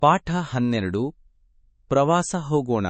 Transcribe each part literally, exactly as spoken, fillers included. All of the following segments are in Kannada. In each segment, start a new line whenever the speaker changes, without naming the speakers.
ಪಾಠ ಹನ್ನೆರಡು ಪ್ರವಾಸ ಹೋಗೋಣ.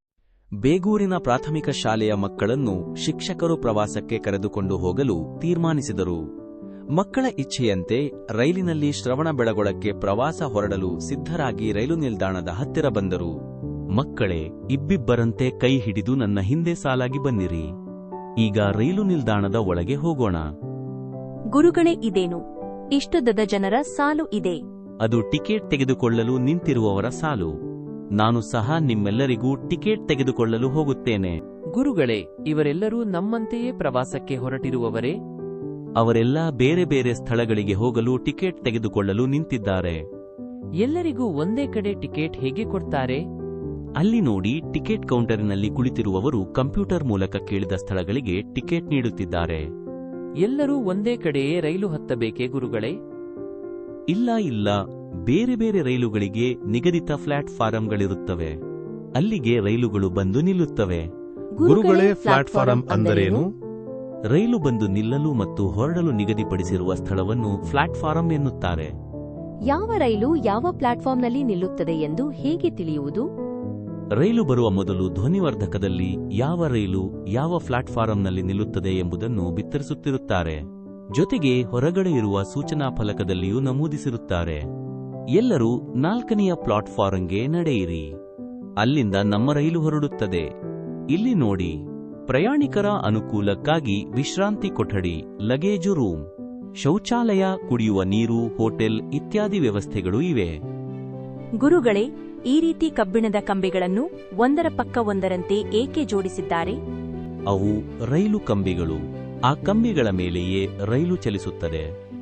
ಬೇಗೂರಿನ ಪ್ರಾಥಮಿಕ ಶಾಲೆಯ ಮಕ್ಕಳನ್ನು ಶಿಕ್ಷಕರು ಪ್ರವಾಸಕ್ಕೆ ಕರೆದುಕೊಂಡು ಹೋಗಲು ತೀರ್ಮಾನಿಸಿದರು. ಮಕ್ಕಳ ಇಚ್ಛೆಯಂತೆ ರೈಲಿನಲ್ಲಿ ಶ್ರವಣಬೆಳಗೊಳಕ್ಕೆ ಪ್ರವಾಸ ಹೊರಡಲು ಸಿದ್ಧರಾಗಿ ರೈಲು ನಿಲ್ದಾಣದ ಹತ್ತಿರ ಬಂದರು. ಮಕ್ಕಳೇ, ಇಬ್ಬಿಬ್ಬರಂತೆ ಕೈ ಹಿಡಿದು ನನ್ನ ಹಿಂದೆ ಸಾಲಾಗಿ ಬನ್ನಿರಿ. ಈಗ ರೈಲು ನಿಲ್ದಾಣದ ಒಳಗೆ ಹೋಗೋಣ.
ಗುರುಗಳೇ, ಇದೇನು ಇಷ್ಟುದದ ಜನರ ಸಾಲು ಇದೆ?
ಅದು ಟಿಕೆಟ್ ತೆಗೆದುಕೊಳ್ಳಲು ನಿಂತಿರುವವರ ಸಾಲು. ನಾನು ಸಹ ನಿಮ್ಮೆಲ್ಲರಿಗೂ ಟಿಕೆಟ್ ತೆಗೆದುಕೊಳ್ಳಲು ಹೋಗುತ್ತೇನೆ.
ಗುರುಗಳೇ, ಇವರೆಲ್ಲರೂ ನಮ್ಮಂತೆಯೇ ಪ್ರವಾಸಕ್ಕೆ ಹೊರಟಿರುವವರೇ?
ಅವರೆಲ್ಲ ಬೇರೆ ಬೇರೆ ಸ್ಥಳಗಳಿಗೆ ಹೋಗಲು ಟಿಕೆಟ್ ತೆಗೆದುಕೊಳ್ಳಲು ನಿಂತಿದ್ದಾರೆ.
ಎಲ್ಲರಿಗೂ ಒಂದೇ ಕಡೆ ಟಿಕೆಟ್ ಹೇಗೆ ಕೊಡ್ತಾರೆ?
ಅಲ್ಲಿ ನೋಡಿ, ಟಿಕೆಟ್ ಕೌಂಟರಿನಲ್ಲಿ ಕುಳಿತಿರುವವರು ಕಂಪ್ಯೂಟರ್ ಮೂಲಕ ಕೇಳಿದ ಸ್ಥಳಗಳಿಗೆ ಟಿಕೆಟ್ ನೀಡುತ್ತಿದ್ದಾರೆ.
ಎಲ್ಲರೂ ಒಂದೇ ಕಡೆಯೇ ರೈಲು ಹತ್ತಬೇಕೇ ಗುರುಗಳೇ?
ಇಲ್ಲ ಇಲ್ಲ, ಬೇರೆ ಬೇರೆ ರೈಲುಗಳಿಗೆ ನಿಗದಿತ ಪ್ಲಾಟ್ಫಾರಂಗಳಿರುತ್ತವೆ. ಅಲ್ಲಿಗೆ ರೈಲುಗಳು ಬಂದು ನಿಲ್ಲುತ್ತವೆ.
ಗುರುಗಳೇ, ಪ್ಲಾಟ್ಫಾರಂ ಅಂದರೇನು?
ರೈಲು ಬಂದು ನಿಲ್ಲಲು ಮತ್ತು ಹೊರಡಲು ನಿಗದಿಪಡಿಸಿರುವ ಸ್ಥಳವನ್ನು ಪ್ಲಾಟ್ಫಾರಂ ಎನ್ನುತ್ತಾರೆ.
ಯಾವ ರೈಲು ಯಾವ ಪ್ಲಾಟ್ಫಾರ್ಮ್ನಲ್ಲಿ ನಿಲ್ಲುತ್ತದೆ ಎಂದು ಹೇಗೆ ತಿಳಿಯುವುದು?
ರೈಲು ಬರುವ ಮೊದಲು ಧ್ವನಿವರ್ಧಕದಲ್ಲಿ ಯಾವ ರೈಲು ಯಾವ ಪ್ಲಾಟ್ಫಾರಂನಲ್ಲಿ ನಿಲ್ಲುತ್ತದೆ ಎಂಬುದನ್ನು ಬಿತ್ತರಿಸುತ್ತಿರುತ್ತಾರೆ. ಜೊತೆಗೆ ಹೊರಗಡೆ ಇರುವ ಸೂಚನಾ ಫಲಕದಲ್ಲಿಯೂ ನಮೂದಿಸಿರುತ್ತಾರೆ. ಎಲ್ಲರೂ ನಾಲ್ಕನೆಯ ಪ್ಲಾಟ್ಫಾರಂಗೆ ನಡೆಯಿರಿ. ಅಲ್ಲಿಂದ ನಮ್ಮ ರೈಲು ಹೊರಡುತ್ತದೆ. ಇಲ್ಲಿ ನೋಡಿ, ಪ್ರಯಾಣಿಕರ ಅನುಕೂಲಕ್ಕಾಗಿ ವಿಶ್ರಾಂತಿ ಕೊಠಡಿ, ಲಗೇಜು ರೂಮ್, ಶೌಚಾಲಯ, ಕುಡಿಯುವ ನೀರು, ಹೋಟೆಲ್ ಇತ್ಯಾದಿ ವ್ಯವಸ್ಥೆಗಳು ಇವೆ.
ಗುರುಗಳೇ, ಈ ರೀತಿ ಕಬ್ಬಿಣದ ಕಂಬಿಗಳನ್ನು ಒಂದರ ಪಕ್ಕ ಒಂದರಂತೆ ಏಕೆ ಜೋಡಿಸಿದ್ದಾರೆ?
ಅವು ರೈಲು ಕಂಬಿಗಳು. ಆ ಕಂಬಿಗಳ ಮೇಲೆಯೇ ರೈಲು ಚಲಿಸುತ್ತದೆ.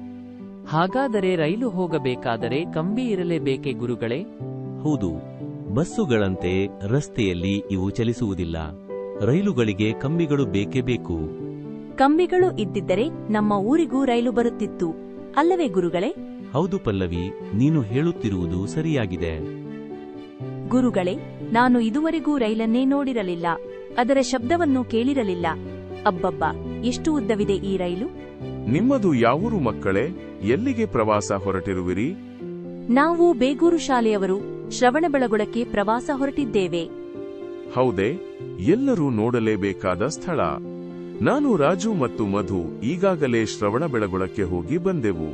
ಹಾಗಾದರೆ ರೈಲು ಹೋಗಬೇಕಾದರೆ ಕಂಬಿ ಇರಲೇಬೇಕೇ ಗುರುಗಳೇ?
ಹೌದು, ಬಸ್ಸುಗಳಂತೆ ರಸ್ತೆಯಲ್ಲಿ ಇವು ಚಲಿಸುವುದಿಲ್ಲ. ರೈಲುಗಳಿಗೆ ಕಂಬಿಗಳು ಬೇಕೇ ಬೇಕು.
ಕಂಬಿಗಳು ಇದ್ದಿದ್ದರೆ ನಮ್ಮ ಊರಿಗೂ ರೈಲು ಬರುತ್ತಿತ್ತು, ಅಲ್ಲವೇ ಗುರುಗಳೇ?
ಹೌದು ಪಲ್ಲವಿ, ನೀನು ಹೇಳುತ್ತಿರುವುದು ಸರಿಯಾಗಿದೆ.
ಗುರುಗಳೇ, ನಾನು ಇದುವರೆಗೂ ರೈಲನ್ನೇ ನೋಡಿರಲಿಲ್ಲ, ಅದರ ಶಬ್ದವನ್ನು ಕೇಳಿರಲಿಲ್ಲ. ಅಬ್ಬಬ್ಬಾ, ಎಷ್ಟು ಉದ್ದವಿದೆ ಈ ರೈಲು!
ನಿಮ್ಮದು ಯಾವೂರು ಮಕ್ಕಳೇ? ಎಲ್ಲಿಗೆ ಪ್ರವಾಸ ಹೊರಟಿರುವಿರಿ?
ನಾವು ಬೇಗೂರು ಶಾಲೆಯವರು ಶ್ರವಣಬೆಳಗೊಳಕ್ಕೆ ಪ್ರವಾಸ ಹೊರಟಿದ್ದೇವೆ.
ಹೌದೇ? ಎಲ್ಲರೂ ನೋಡಲೇಬೇಕಾದ ಸ್ಥಳ. ನಾನು ರಾಜು ಮತ್ತು ಮಧು ಈಗಾಗಲೇ ಶ್ರವಣಬೆಳಗೊಳಕ್ಕೆ ಹೋಗಿ ಬಂದೆವು.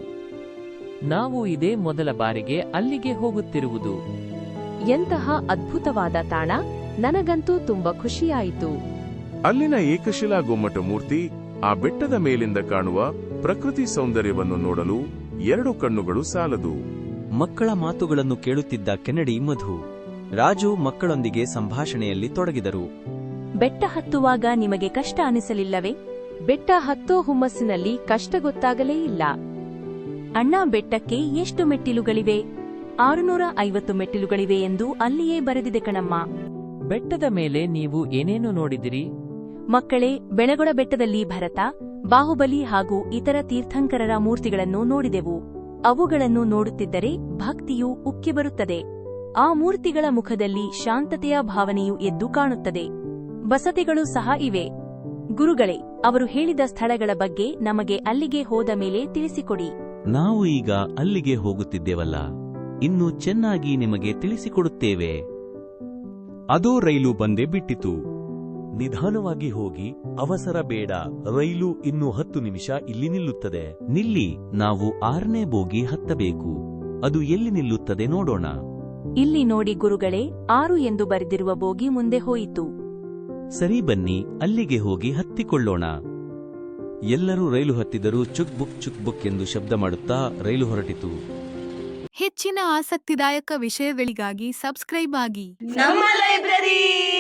ನಾವು ಇದೇ ಮೊದಲ ಬಾರಿಗೆ ಅಲ್ಲಿಗೆ ಹೋಗುತ್ತಿರುವುದು.
ಎಂತಹ ಅದ್ಭುತವಾದ ತಾಣ! ನನಗಂತೂ ತುಂಬಾ ಖುಷಿಯಾಯಿತು.
ಅಲ್ಲಿನ ಏಕಶಿಲಾ ಗೊಮ್ಮಟ ಮೂರ್ತಿ, ಆ ಬೆಟ್ಟದ ಮೇಲಿಂದ ಕಾಣುವ ಪ್ರಕೃತಿ ಸೌಂದರ್ಯವನ್ನು ನೋಡಲು ಎರಡು ಕಣ್ಣುಗಳು ಸಾಲದು.
ಮಕ್ಕಳ ಮಾತುಗಳನ್ನು ಕೇಳುತ್ತಿದ್ದ ಕೆನಡಿ, ಮಧು, ರಾಜು ಮಕ್ಕಳೊಂದಿಗೆ ಸಂಭಾಷಣೆಯಲ್ಲಿ ತೊಡಗಿದರು.
ಬೆಟ್ಟ ಹತ್ತುವಾಗ ನಿಮಗೆ ಕಷ್ಟ ಅನಿಸಲಿಲ್ಲವೇ? ಬೆಟ್ಟ ಹತ್ತೋ ಹುಮ್ಮಸ್ಸಿನಲ್ಲಿ ಕಷ್ಟ ಗೊತ್ತಾಗಲೇ ಇಲ್ಲ. ಅಣ್ಣ, ಬೆಟ್ಟಕ್ಕೆ ಎಷ್ಟು ಮೆಟ್ಟಿಲುಗಳಿವೆ? ಆರುನೂರ ಐವತ್ತು ಮೆಟ್ಟಿಲುಗಳಿವೆ ಎಂದು ಅಲ್ಲಿಯೇ ಬರೆದಿದೆ ಕಣಮ್ಮ.
ಬೆಟ್ಟದ ಮೇಲೆ ನೀವು ಏನೇನು ನೋಡಿದಿರಿ?
ಮಕ್ಕಳೇ, ಬೆಳಗೊಳ ಬೆಟ್ಟದಲ್ಲಿ ಭರತ, ಬಾಹುಬಲಿ ಹಾಗೂ ಇತರ ತೀರ್ಥಂಕರರ ಮೂರ್ತಿಗಳನ್ನು ನೋಡಿದೆವು. ಅವುಗಳನ್ನು ನೋಡುತ್ತಿದ್ದರೆ ಭಕ್ತಿಯು ಉಕ್ಕಿ ಬರುತ್ತದೆ. ಆ ಮೂರ್ತಿಗಳ ಮುಖದಲ್ಲಿ ಶಾಂತತೆಯ ಭಾವನೆಯು ಎದ್ದು ಕಾಣುತ್ತದೆ. ಬಸತಿಗಳು ಸಹ ಇವೆ. ಗುರುಗಳೇ, ಅವರು ಹೇಳಿದ ಸ್ಥಳಗಳ ಬಗ್ಗೆ ನಮಗೆ ಅಲ್ಲಿಗೆ ಹೋದ ಮೇಲೆ ತಿಳಿಸಿಕೊಡಿ.
ನಾವು ಈಗ ಅಲ್ಲಿಗೆ ಹೋಗುತ್ತಿದ್ದೇವಲ್ಲ, ಇನ್ನು ಚೆನ್ನಾಗಿ ನಿಮಗೆ ತಿಳಿಸಿಕೊಡುತ್ತೇವೆ. ಅದೋ ರೈಲು ಬಂದೇ ಬಿಟ್ಟಿತು. ನಿಧಾನವಾಗಿ ಹೋಗಿ, ಅವಸರ ಬೇಡ. ರೈಲು ಇನ್ನು ಹತ್ತು ನಿಮಿಷ ಇಲ್ಲಿ ನಿಲ್ಲುತ್ತದೆ. ನಿಲ್ಲಿ, ನಾವು ಆರನೇ ಬೋಗಿ ಹತ್ತಬೇಕು. ಅದು ಎಲ್ಲಿ ನಿಲ್ಲುತ್ತದೆ ನೋಡೋಣ.
ಇಲ್ಲಿ ನೋಡಿ ಗುರುಗಳೇ, ಆರು ಎಂದು ಬರೆದಿರುವ ಬೋಗಿ ಮುಂದೆ ಹೋಯಿತು.
ಸರಿ, ಬನ್ನಿ ಅಲ್ಲಿಗೆ ಹೋಗಿ ಹತ್ತಿಕೊಳ್ಳೋಣ. ಎಲ್ಲರೂ ರೈಲು ಹತ್ತಿದರೂ ಚುಕ್ ಬುಕ್ ಚುಕ್ ಬುಕ್ ಎಂದು ಶಬ್ದ ಮಾಡುತ್ತಾ ರೈಲು ಹೊರಟಿತು.
ಹೆಚ್ಚಿನ ಆಸಕ್ತಿದಾಯಕ ವಿಷಯಗಳಿಗಾಗಿ ಸಬ್ಸ್ಕ್ರೈಬ್ ಆಗಿ
ನಮ್ಮ ಲೈಬ್ರರಿ.